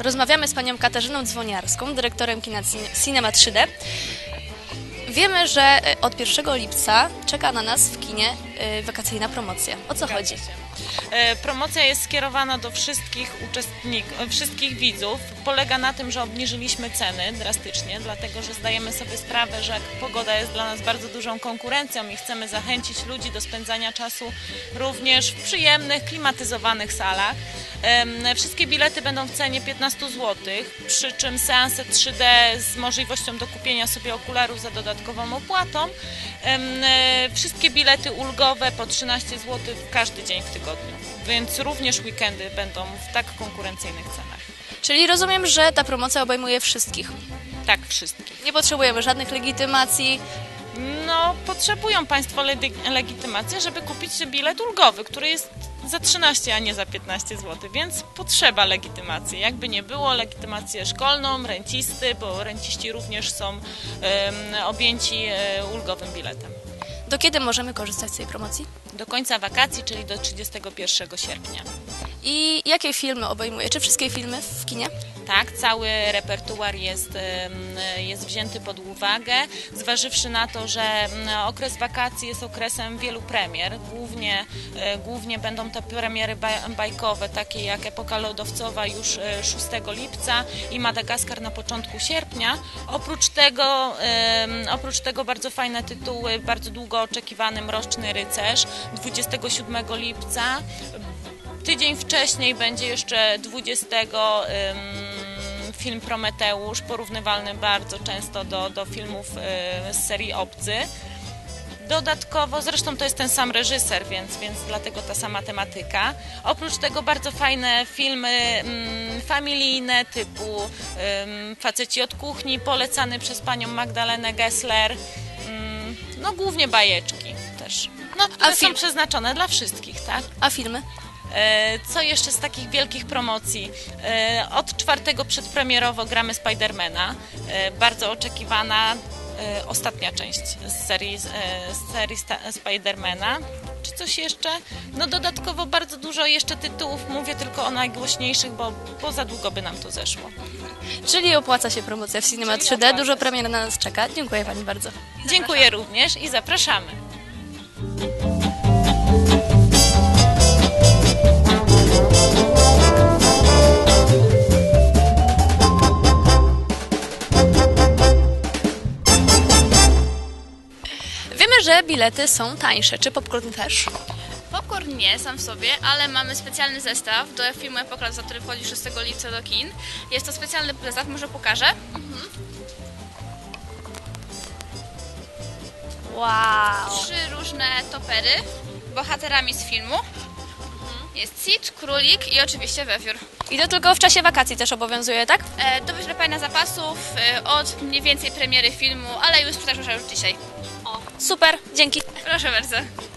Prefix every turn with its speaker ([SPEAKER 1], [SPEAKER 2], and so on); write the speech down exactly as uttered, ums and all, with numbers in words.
[SPEAKER 1] Rozmawiamy z panią Katarzyną Dzwoniarską, dyrektorem kina Cinema trzy D. Wiemy, że od pierwszego lipca czeka na nas w kinie wakacyjna promocja. O co chodzi?
[SPEAKER 2] Promocja jest skierowana do wszystkich uczestników, wszystkich widzów. Polega na tym, że obniżyliśmy ceny drastycznie, dlatego że zdajemy sobie sprawę, że pogoda jest dla nas bardzo dużą konkurencją i chcemy zachęcić ludzi do spędzania czasu również w przyjemnych, klimatyzowanych salach. Wszystkie bilety będą w cenie piętnaście złotych, przy czym seanse trzy D z możliwością dokupienia sobie okularów za dodatkową opłatą. Wszystkie bilety ulgowe po trzynaście złotych każdy dzień w tygodniu, więc również weekendy będą w tak konkurencyjnych cenach.
[SPEAKER 1] Czyli rozumiem, że ta promocja obejmuje wszystkich.
[SPEAKER 2] Tak, wszystkich.
[SPEAKER 1] Nie potrzebujemy żadnych legitymacji.
[SPEAKER 2] No, potrzebują Państwo legitymacji, żeby kupić bilet ulgowy, który jest za trzynaście, a nie za piętnaście złotych, więc potrzeba legitymacji. Jakby nie było, legitymację szkolną, rencisty, bo renciści również są um, objęci um, ulgowym biletem.
[SPEAKER 1] Do kiedy możemy korzystać z tej promocji?
[SPEAKER 2] Do końca wakacji, czyli do trzydziestego pierwszego sierpnia.
[SPEAKER 1] I jakie filmy obejmuje? Czy wszystkie filmy w kinie?
[SPEAKER 2] Tak, cały repertuar jest, jest wzięty pod uwagę, zważywszy na to, że okres wakacji jest okresem wielu premier. Głównie, głównie będą te premiery bajkowe, takie jak Epoka Lodowcowa już szóstego lipca i Madagaskar na początku sierpnia. Oprócz tego, oprócz tego bardzo fajne tytuły, bardzo długo oczekiwany Mroczny Rycerz dwudziestego siódmego lipca. Tydzień wcześniej będzie jeszcze dwudziestego film Prometeusz, porównywalny bardzo często do, do filmów z serii Obcy. Dodatkowo, zresztą to jest ten sam reżyser, więc, więc dlatego ta sama tematyka. Oprócz tego bardzo fajne filmy mm, familijne typu mm, Faceci od kuchni, polecany przez panią Magdalenę Gessler. Mm, no głównie bajeczki też. No, które
[SPEAKER 1] A film...
[SPEAKER 2] są przeznaczone dla wszystkich, tak?
[SPEAKER 1] A filmy?
[SPEAKER 2] Co jeszcze z takich wielkich promocji? Od czwartego przedpremierowo gramy Spidermana, bardzo oczekiwana ostatnia część z serii, z serii Spidermana. Czy coś jeszcze? No dodatkowo bardzo dużo jeszcze tytułów, mówię tylko o najgłośniejszych, bo, bo za długo by nam to zeszło.
[SPEAKER 1] Czyli opłaca się promocja w Cinema trzy D, dużo premier na nas czeka. Dziękuję pani bardzo.
[SPEAKER 2] Dziękuję również i zapraszamy.
[SPEAKER 1] Wiemy, że bilety są tańsze. Czy popcorn też?
[SPEAKER 3] Popcorn nie sam w sobie, ale mamy specjalny zestaw do filmu Epoka, za który wchodzi szóstego lipca do kin. Jest to specjalny zestaw, może pokażę. Mhm.
[SPEAKER 1] Wow!
[SPEAKER 3] Trzy różne topery, bohaterami z filmu. Jest Sid, Królik i oczywiście Wewiór.
[SPEAKER 1] I to tylko w czasie wakacji też obowiązuje, tak?
[SPEAKER 3] E, do wyczerpania zapasów e, od mniej więcej premiery filmu, ale już sprzedaż rusza już dzisiaj.
[SPEAKER 1] O, super, dzięki.
[SPEAKER 3] Proszę bardzo.